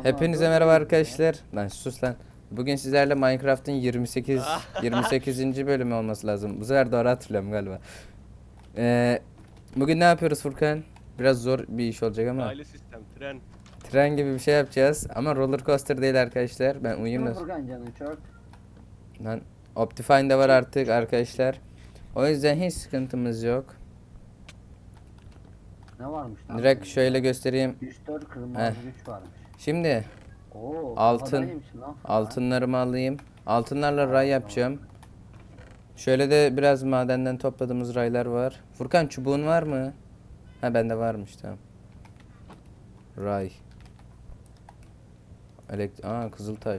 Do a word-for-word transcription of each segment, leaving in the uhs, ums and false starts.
Hepinize merhaba arkadaşlar. Lan sus lan. Bugün sizlerle Minecraft'ın yirmi sekiz yirmi sekizinci bölümü olması lazım. Bu sefer doğru hatırlıyorum galiba. Ee, bugün ne yapıyoruz Furkan? Biraz zor bir iş olacak ama. Raylı sistem, tren. Tren gibi bir şey yapacağız ama roller coaster değil arkadaşlar. Ben uyuyayım da. Furkan canım çok. Lan Optifine de var artık arkadaşlar. O yüzden hiç sıkıntımız yok. Ne varmış lan? Direkt şöyle göstereyim. üç dört kırmızı Heh. güç varmış. Şimdi Oo, Altın- havadaymış lan Furkan. altınlarımı alayım. Altınlarla ray yapacağım. Şöyle de biraz madenden topladığımız raylar var. Furkan çubuğun var mı? Ha bende varmış tamam. Ray. Elekt Aa kızıltaş.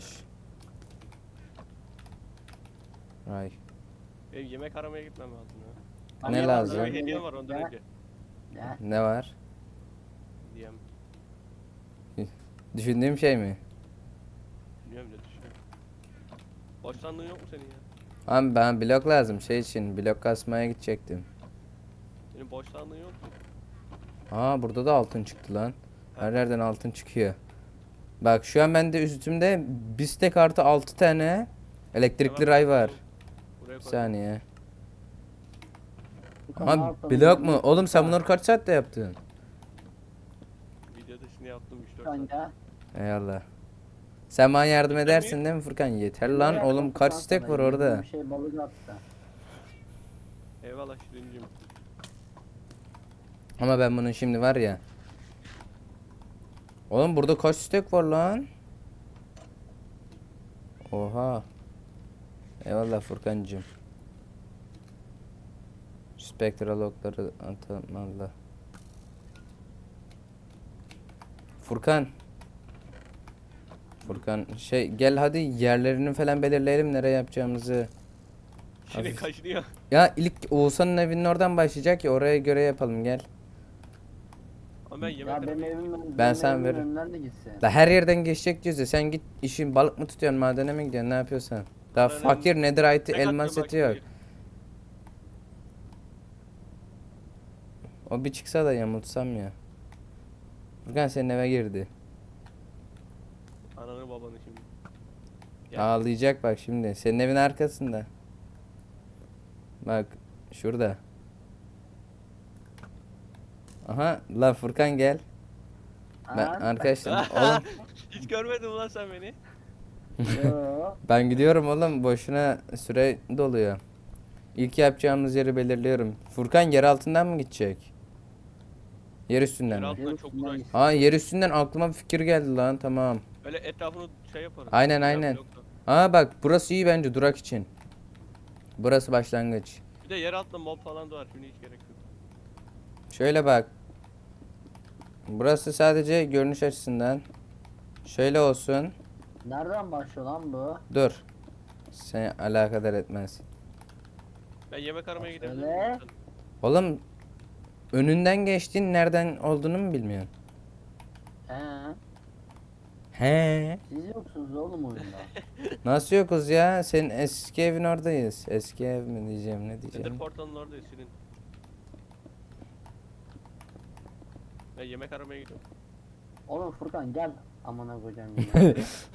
Ray. Benim yemek aramaya gitmem lazım ya. Lan Ne var lazım? lan? Bir hediyem var ondan Ne? önce. Ne? Ne var? Hediyem. Düşündüğüm şey mi? Bilmiyorum ne düşünüyorum. Boş sandığın yok mu senin ya? Abi ben blok lazım şey için. Blok kasmaya gidecektim. Senin boş sandığın yok mu? Aa burada da altın çıktı lan. Her yerden altın çıkıyor. Bak şu an bende üstümde bir stack artı altı tane elektrikli Tamam, ray var. Buraya Bir koy. saniye. Furkan, ne Ama yapalım? blok mu? Yemek- Oğlum sen bunları kaç saatte yaptın? Videoda şimdi yaptım üç dört Furkan saat. ya. Eyvallah. Sen bana yardım Yeter edersin mi? değil mi Furkan? Yeter Yemek lan yaptım oğlum kaç Furkan stack sana, var yediğim orada? Bir şey balık attı. Eyvallah Şirincim. Ama ben bunun şimdi var ya. Oğlum burada kaç stack var lan? Oha. Eyvallah Furkancığım. Spectral okları atamalı. Furkan. Furkan şey gel hadi yerlerini falan belirleyelim nereye yapacağımızı. Şirin Hafif. kaçınıyor. Ya ilk Oğuzhan'ın evinin oradan başlayacak ya oraya göre yapalım gel. Ama ben yemek Ya benim aramaya evim Ben benim sana evimin veririm. önünden de gitsin. Da her yerden geçecek diyoruz ya sen git işin balık mı tutuyorsun madene mi gidiyorsun ne yapıyorsan. Daha Bana fakir netherite Tek elmas atıyorum bak seti yok. şimdi. O bir çıksa da yamultsam ya. Furkan senin eve girdi. Ananı babanı şimdi. Ya. Ağlayacak bak şimdi. Senin evin arkasında. Bak şurada. Aha lan Furkan gel. Ben Ha? arkadaşlar oğlum Hiç görmedin lan sen beni. Yo. ben gidiyorum oğlum boşuna süre doluyor. İlk yapacağımız yeri belirliyorum. Furkan yer altından mı gidecek? Yer üstünden Yer mi? altından çok üstünden uğraş. gitsin. Aa yer üstünden aklıma bir fikir geldi lan tamam. Böyle etrafını şey yaparız. Aynen, Güzel aynen. blokla. Aa bak burası iyi bence durak için. Burası başlangıç. Bir de yer altında mob falan da var. Şimdi hiç gerek yok. Şöyle bak. Burası sadece görünüş açısından. Şöyle olsun. Nereden başlıyor lan bu? Dur. Seni alakadar etmez. Ben yemek aramaya gidebilirim. Öyle. Oğlum önünden geçtiğin nereden olduğunu mu bilmiyorsun? He. He. Siz yoksunuz oğlum oyunda. Nasıl yokuz ya? Senin eski evin oradayız. Eski ev mi diyeceğim ne Nether diyeceğim? portalın oradayız Şirin. Ben yemek aramaya gidiyorum. Oğlum Furkan gel. Amına koyacağım yine.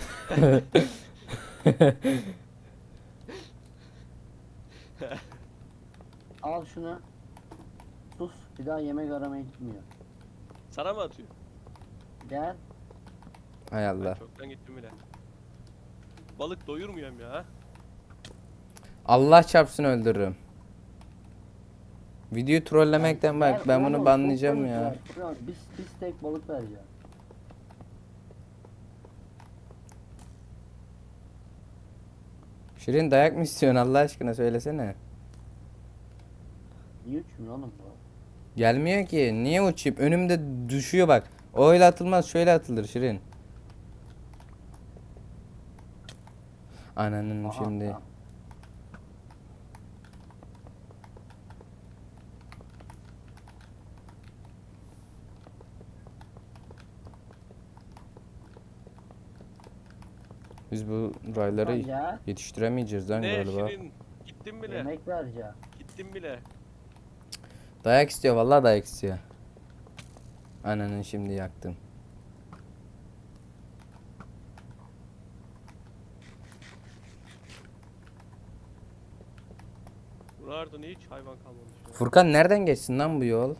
Al şunu. Sus. Bir daha yemek aramaya gitmiyor. Sana mı atıyor? Gel. Hay Ben Allah. çoktan gittim bile. Balık doyurmuyorum ya. Allah çarpsın öldürürüm. Videoyu trollemekten bak Gel, ben oğlum, bunu çok banlayacağım balık ya. var. Furkan, Biz, biz tek balık vereceğim. Şirin dayak mı istiyorsun Allah aşkına söylesene. Niye uçmuyor oğlum bu? Gelmiyor ki. Niye uçayım? Önümde düşüyor bak. O öyle atılmaz şöyle atılır Şirin. Ananın Aha, şimdi. tamam. Biz bu rayları Furkan gel. yetiştiremeyeceğiz lan Ne galiba. Şirin? Gittim bile. Yemek vereceğim. Gittim bile. Dayak istiyor vallahi dayak istiyor. Ananın şimdi yaktım. Buralarda ne hiç hayvan kalmamış ya. Furkan nereden geçsin lan bu yol?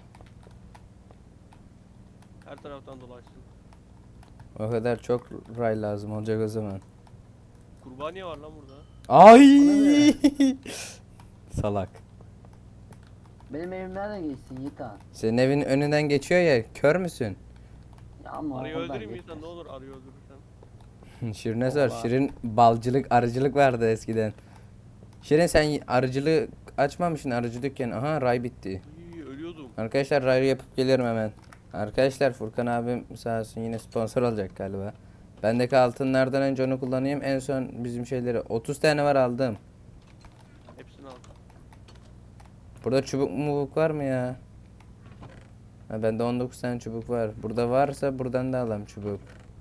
Her taraftan dolaşsın. O kadar çok ray lazım olacak o zaman. Kurbaniye var lan burada. Ay! Salak. Benim evim nereden geçsin Yiğitan? Senin evin önünden geçiyor ya, kör müsün? Ya ama Arıyı oradan öldüreyim mi geçmez. insan, ne olur arıyı öldürürsen. Şirin'e sor. Oha. Şirin balcılık, arıcılık vardı eskiden. Şirin sen arıcılığı açmamışsın, arıcı dükkanı. Aha ray bitti. İyi, ölüyordum. Arkadaşlar rayı yapıp gelirim hemen. Arkadaşlar Furkan abim sağ olsun yine sponsor olacak galiba. Bendeki altınlardan önce onu kullanayım. En son bizim şeyleri otuz tane var aldım. Hepsini al. Burada çubuk mubuk var mı ya? Ha, bende on dokuz tane çubuk var. Burada varsa buradan da alalım çubuk.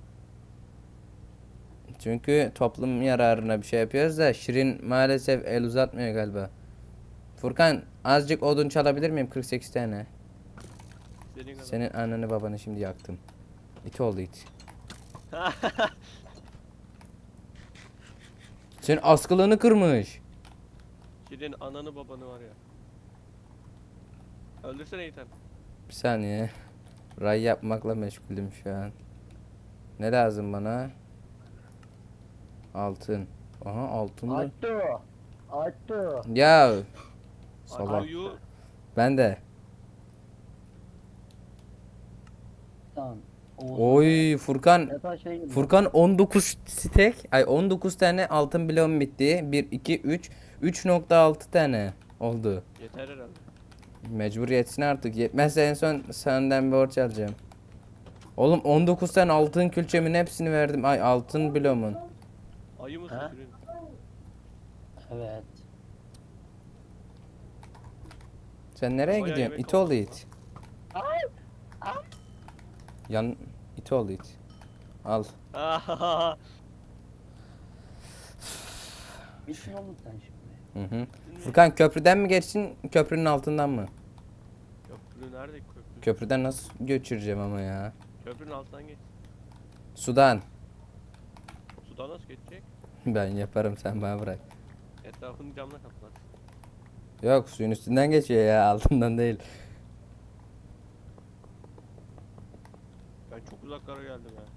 Çünkü toplum yararına bir şey yapıyoruz da Şirin maalesef el uzatmıyor galiba. Furkan azıcık odun çalabilir miyim? kırk sekiz tane. Senin kadar. Senin ananı babanı şimdi yaktım. İt oldu it. Senin askılığını kırmış. Senin ananı babanı var ya. Öldürsene Ethan. Bir saniye. Ray yapmakla meşgulüm şu an. Ne lazım bana? Altın. Aha altın da. Attı. Attı. Ya. Salak. Arıyı Ben de. Tamam. Oğuz. Oy Furkan. Yatağa şey gibi. Furkan on dokuz stek. Ay on dokuz tane altın bloğum bitti. bir, iki, üç. üç nokta altı tane oldu. yeter herhalde. Mecbur yetsin artık. Yetmezse en son senden bir borç alacağım. Oğlum on dokuz tane altın külçemin hepsini verdim. Ay altın bloğumun. Ayı mısın Ha? Şirin? Evet. Sen nereye Bayağı gidiyorsun? yemek İt oldu oldu. it. Yan it oldu it. Al. Ahahaha. Bitsin oğlum sen şimdi. Hı hı. Furkan köprüden mi geçsin, köprünün altından mı? Köprü nerede köprü? Köprüden nasıl göçüreceğim ama ya? Köprünün altından geç. Sudan. Sudan nasıl geçecek? Ben yaparım sen bana bırak. Etrafını camla kaplar. Yok suyun üstünden geçiyor ya altından değil. Ben çok uzaklara geldim ya.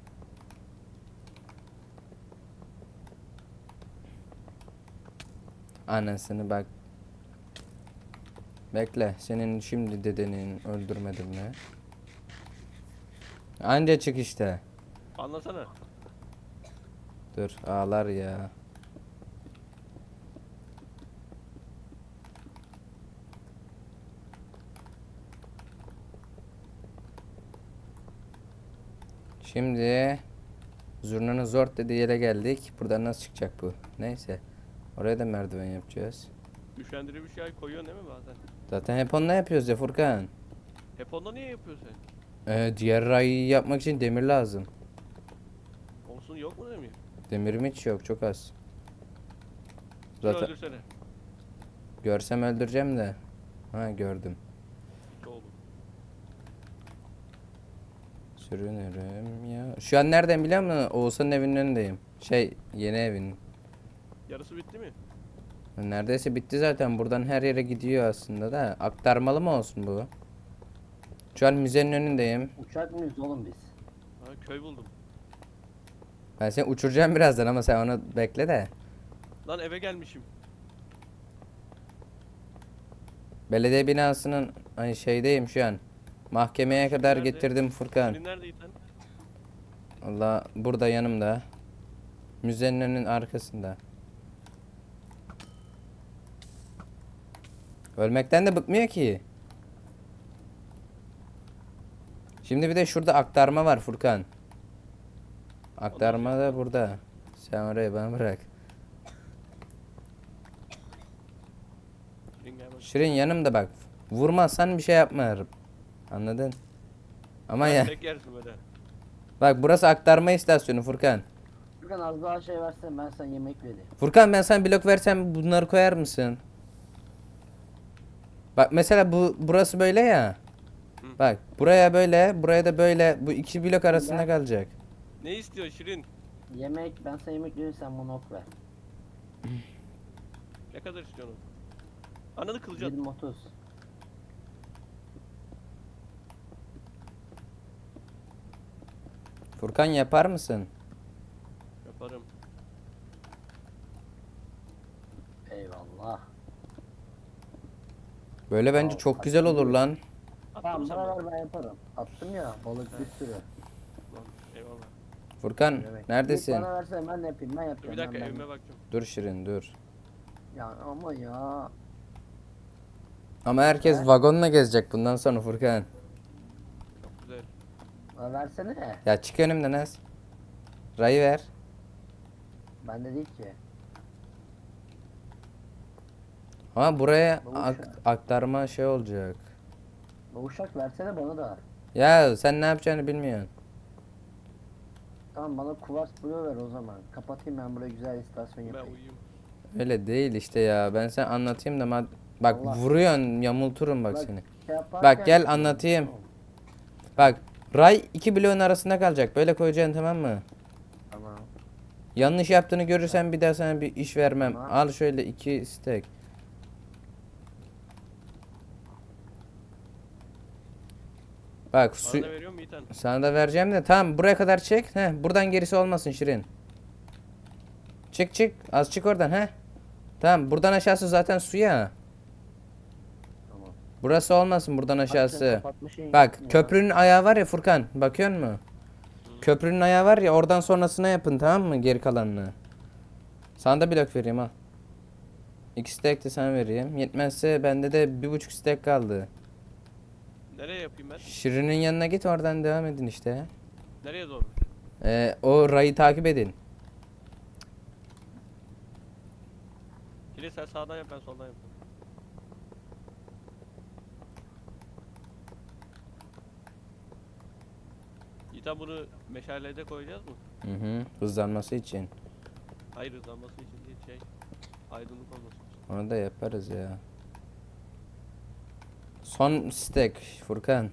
Anasını bak. Bekle senin şimdi dedenin öldürmedim mi? Anca çık işte. Anlasana. Dur ağlar ya. Şimdi zurnanın zort dediği yere geldik. Buradan nasıl çıkacak bu? Neyse. Oraya da merdiven yapacağız. Üşendirici bir şey koyuyorsun değil mi bazen? Zaten hep onunla yapıyoruz ya Furkan. Hep onda niye yapıyorsun sen? Ee, diğer rayı yapmak için demir lazım. Olsun, yok mu demir? Demirim hiç yok, çok az. Şunu Zaten öldürsene. görsem öldüreceğim de. Ha gördüm. İki oldu. Sürünürüm ya. Şu an nereden biliyor musun? Oğuzhan'ın evinin önündeyim. Şey yeni evin. Yarısı bitti mi? Neredeyse bitti zaten. Buradan her yere gidiyor aslında da. Aktarmalı mı olsun bu? Şu an müzenin önündeyim. Uçak mıyız oğlum biz? Ha, köy buldum. Ben seni uçuracağım birazdan ama sen onu bekle de. Lan eve gelmişim. Belediye binasının hani şeydeyim şu an. Mahkemeye kadar Nerede? getirdim Furkan. Senin neredeydin lan? Allah burada yanımda. Müzenin önünün arkasında. Ölmekten de bıkmıyor ki. Şimdi bir de şurada aktarma var Furkan. Aktarma da burada. Sen oraya bana bırak. Şirin gel bak. Şirin yanımda bak. Vurmazsan bir şey yapmıyorum. Anladın? Ama Sen ya tek yersin böyle. bak burası aktarma istasyonu Furkan. Furkan az daha şey versen ben sana yemek vereyim. Furkan ben sana blok versem bunları koyar mısın? Bak mesela bu burası böyle ya. Hı. Bak buraya böyle, buraya da böyle. Bu iki blok arasında Ben- kalacak. Ne istiyor Şirin? Yemek ben sana yemek vereyim sen bana ok ver. Ne kadar istiyorsun? Ananı kılacaksın. yirmi otuz. Furkan yapar mısın? Yaparım. Eyvallah. Böyle bence Al, çok hadi güzel olur gidelim. lan. Attın Tamam mı sen bana? buralar ben yaparım. Attım ya balık bir sürü. Lan, eyvallah. Furkan Evet. neredesin? İlk bana versen ben de yapayım ben yapacağım. Bir dakika ben, evime ben. bakacağım. Dur Şirin dur. Ya ama ya. Ama herkes He? vagonla gezecek bundan sonra Furkan. Çok güzel. Bana versene. Ya çık önümden az. Rayı ver. Bende değil ki. Ama buraya Bu ak- uşak. aktarma şey olacak. Bu uşak versene bana da. Ya sen ne yapacağını bilmiyorsun. Tamam bana kuvars blue ver o zaman. Kapatayım ben buraya güzel istasyon Ben yapayım. uyuyayım. Öyle değil işte ya. Ben sen anlatayım da mad- bak Allah. vuruyorsun, yamulturum bak Bak, seni. Şey yaparken- Bak gel anlatayım. Bak ray iki bloğun arasında kalacak. Böyle koyacaksın tamam mı? Tamam. Yanlış yaptığını görürsen bir daha sana bir iş vermem. Tamam. Al şöyle iki stack. Bak su Bana da veriyor mu Yiğitan? sana da vereceğim de tamam buraya kadar çek. Heh, buradan gerisi olmasın Şirin. Çık çık az çık oradan he. Tamam buradan aşağısı zaten suya. Tamam. Burası olmasın buradan Bak sen aşağısı. kapatmışsın Bak ya. köprünün ayağı var ya Furkan bakıyor musun? Köprünün ayağı var ya oradan sonrasına yapın tamam mı geri kalanını. Sana da blok vereyim al. İki stack de sana vereyim. Yetmezse bende de bir buçuk stack kaldı. Nereye yapayım ben? Şirin'in yanına git oradan devam edin işte. Nereye doğru? Ee, o rayı takip edin. Kili sen sağdan yap ben soldan yapayım. Yiğitan bunu meşalede koyacağız mı? Hı hı. Hızlanması için. Hayır hızlanması için değil şey. Aydınlık olması için. Onu da yaparız ya. Son stack Furkan.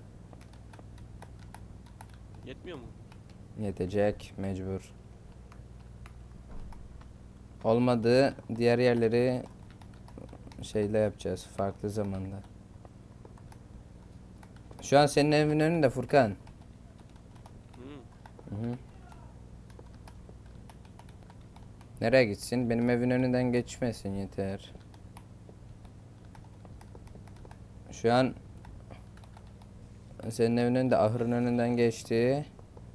Yetmiyor mu? Yetecek mecbur. Olmadı diğer yerleri şeyle yapacağız farklı zamanda. Şu an senin evin önünde Furkan. Hı. Hı hı. Nereye gitsin? Benim evin önünden geçmesin yeter. Şu an senin evin önünde ahırın önünden geçti.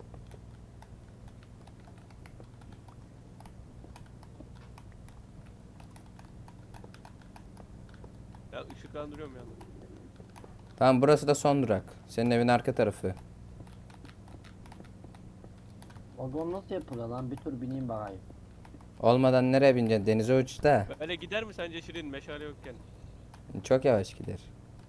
Ya ışıklandırıyorum ya. Tamam burası da son durak. Senin evin arka tarafı. Vagon nasıl yapılıyor lan? Bir tur bineyim bakayım. Olmadan nereye bineceksin? Denize uç da. Böyle gider mi sence Şirin meşale yokken? Çok yavaş gider.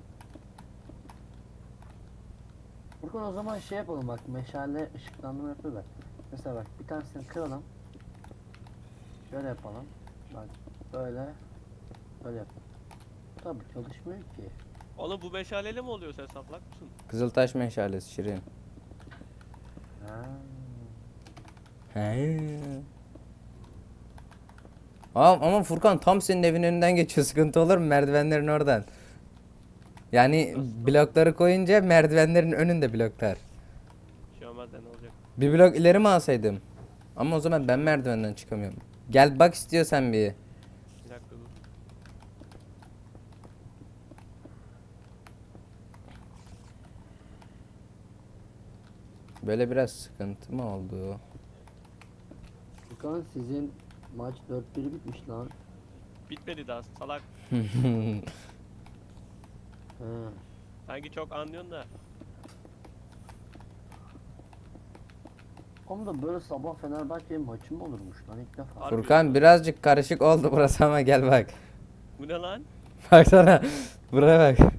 Furkan o zaman şey yapalım bak meşale ışıklandırma yapıyorlar. Mesela bak bir tanesini kıralım. Şöyle yapalım. Bak böyle. Böyle yap. Tabii çalışmıyor ki. Oğlum bu meşaleyle mi oluyor sen saplak mısın? Kızıltaş meşalesi Şirin. Ha. He. Ama, ama Furkan tam senin evin önünden geçiyor. Sıkıntı olur mu merdivenlerin oradan? Yani blokları koyunca merdivenlerin önünde bloklar. Bir şey olmaz da ne olacak? Bir blok ileri mi alsaydım? Ama o zaman ben merdivenden çıkamıyorum. Gel bak istiyorsan bir. Bir dakika dur. Böyle biraz sıkıntı mı oldu? Furkan sizin maç dört bir bitmiş lan. Bitmedi daha salak. He. Sanki çok anlıyorsun da. Oğlum da böyle sabah Fenerbahçe maçı mı olurmuş lan ilk defa. Harbi Furkan ya. birazcık karışık oldu burası ama gel bak. Bu ne lan? Baksana. Buraya bak.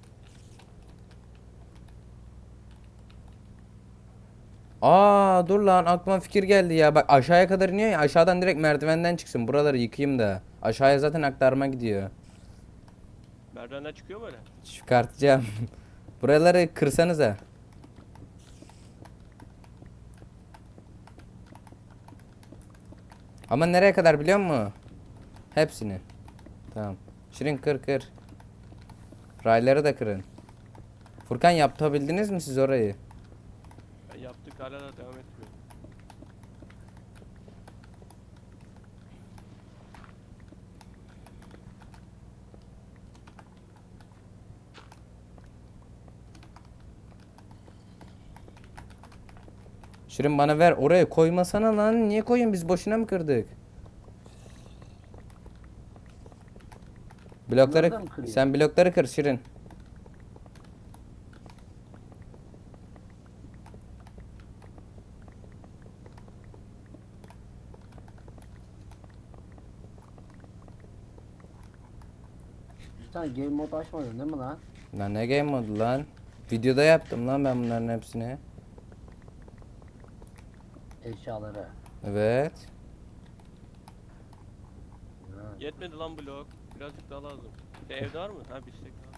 Aa dur lan aklıma fikir geldi ya. Bak aşağıya kadar iniyor ya. Aşağıdan direkt merdivenden çıksın. Buraları yıkayayım da. Aşağıya zaten aktarma gidiyor. Merdivenden çıkıyor mu öyle? Çıkartacağım. Buraları kırsanıza. Ama nereye kadar biliyor musun? Hepsini. Tamam. Şirin kır kır. Rayları da kırın. Furkan yapabildiniz mi siz orayı? Ya yaptık hala da devam etmiyor. Şirin bana ver, oraya koymasana lan. Niye koyun, biz boşuna mı kırdık? Blokları Bunları da mı kırıyor? sen blokları kır Şirin. Sen game mode açmadın değil mi lan? Lan ne game modu lan? Videoda yaptım lan ben bunların hepsini. Eşyaları. Evet. Ha. Yetmedi lan blok. Birazcık daha lazım. E, evde var mı? Ha bir istek daha.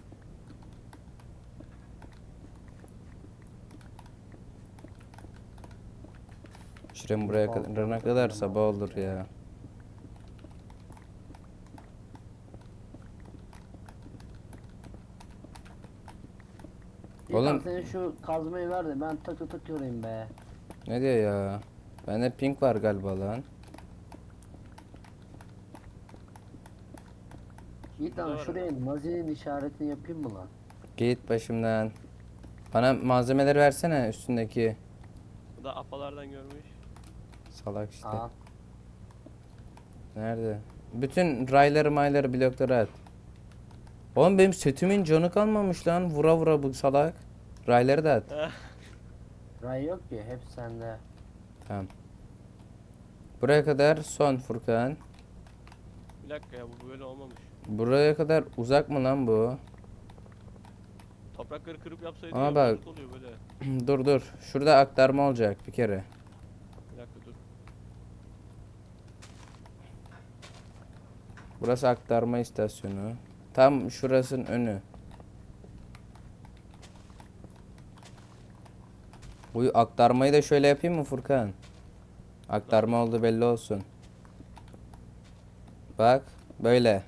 Şirin buraya Balkon kadar, kadar falan sabah var. olur ya. İlkan Oğlum- senin şu kazmayı ver de ben takı takı yorayım be. Ne diyor ya? Bende pink var galiba lan. İlkan Burada var şuraya Nazi'nin işaretini yapayım mı lan? Git başımdan. Bana malzemeleri versene üstündeki. Bu da apalardan görmüş. Salak işte. Aa. Nerede? Bütün rayları mayları blokları at. Oğlum benim setimin canı kalmamış lan. Vura vura bu salak. Rayları da at. Ray yok ki hep sende. Tamam. Buraya kadar son Furkan. Bir dakika ya bu böyle olmamış. Buraya kadar uzak mı lan bu? Toprakları kırıp yapsaydı Ama ya, bak- bozuk oluyor böyle. Dur dur. Şurada aktarma olacak bir kere. Bir dakika dur. Burası aktarma istasyonu. Tam şurasının önü. Bu aktarmayı da şöyle yapayım mı Furkan? Aktarma oldu belli olsun. Bak böyle.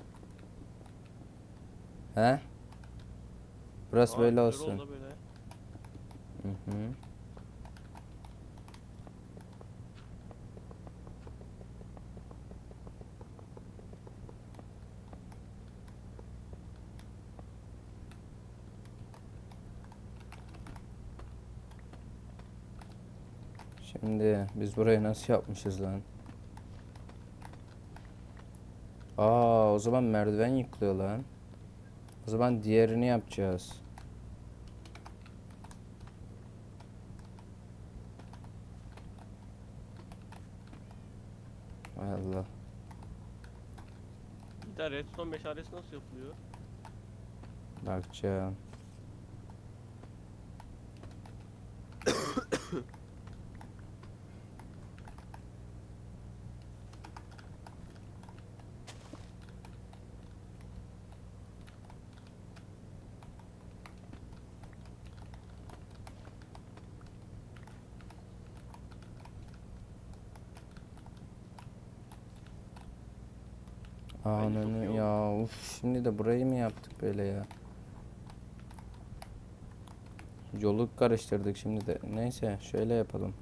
He? Burası Aa, böyle güzel olsun. oldu böyle. Hı hı. Şimdi biz burayı nasıl yapmışız lan? Aa, o zaman merdiven yıkılıyor lan. O zaman diğerini yapacağız. Hay Allah. Bir de redstone meşalesi nasıl yapılıyor? Bakacağım. Bence çok Ananı iyi ya, uf, şimdi de burayı mı yaptık böyle ya? Yolu karıştırdık şimdi de. Neyse şöyle yapalım.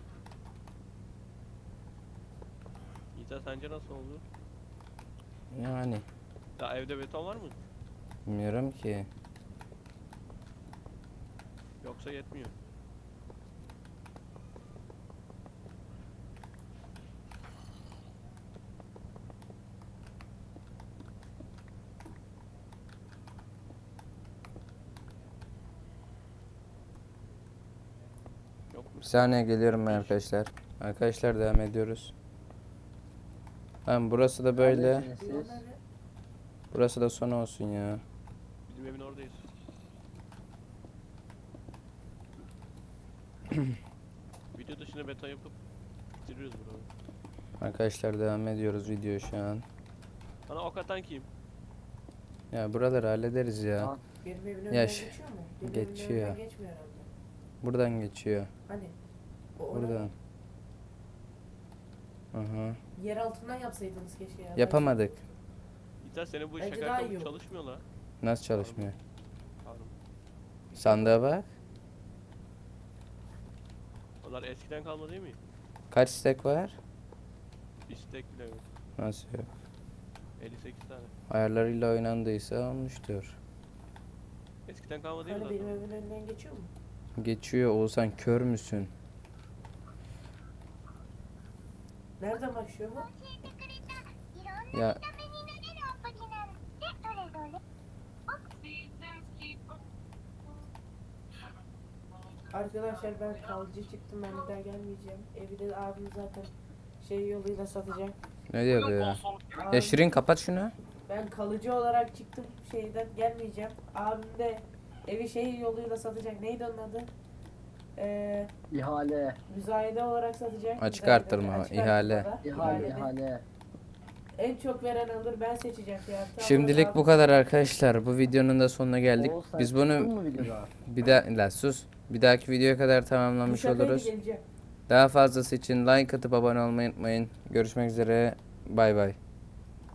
İsa sence nasıl oldu? Yani Ya evde beton var mı? bilmiyorum ki. Yoksa yetmiyor. Yok mu? Bir saniye geliyorum ben arkadaşlar. Arkadaşlar devam ediyoruz. Tamam, burası da böyle. Neredesiniz siz? Burası da son olsun ya. Bizim evin oradayız. Video dışına beton yapıp bitiriyoruz buraları. Arkadaşlar devam ediyoruz video şu an. Bana ok atan kim? Ya buraları hallederiz ya. Aa. Benim evimin Ya önünden ş- geçiyor mu? Benim geçiyor. evimin önünden geçmiyor herhalde. Buradan geçiyor. Hani? O ona Buradan. Aha. yer altından yapsaydınız keşke ya. Yapamadık. İsa senin bu Bence şaka daha iyi ayakkabı olur. çalışmıyor la. Nasıl çalışmıyor? Sandığa bak. Onlar eskiden kalma değil mi? Kaç istek var? Bir stack bile yok. Nasıl yok? elli sekiz tane. Ayarlarıyla oynandıysa olmuştur. Eskiden kalma değil mi Hani benim zaten? evimin önünden geçiyor mu? Geçiyor. Oğuzhan kör müsün? Nereden başlıyor bu? Ya Arkadaşlar ben kalıcı çıktım, ben bir daha gelmeyeceğim. Evi de abim zaten şey yoluyla satacak. ne diyor bu ya? Ya Abim- Şirin kapat şunu. Ben kalıcı olarak çıktım şeyden, gelmeyeceğim. Abim de evi şey yoluyla satacak. Neydi onun adı? Ee, İhale. müzayede olarak satacak. Açık Müzayede, artırma, açık ihale. artırmada, İhale, ihalede. ihale. En çok veren alır, ben seçeceğim fiyatı. Ama Şimdilik abim- bu kadar arkadaşlar. Bu videonun da sonuna geldik. Oğuz, sen Biz çıktın bunu mı videoda? bir daha la sus. Bir dahaki videoya kadar Bu tamamlamış şakaydı, oluruz. geleceğim. Daha fazlası için like atıp abone olmayı unutmayın. Görüşmek üzere. Bay bay.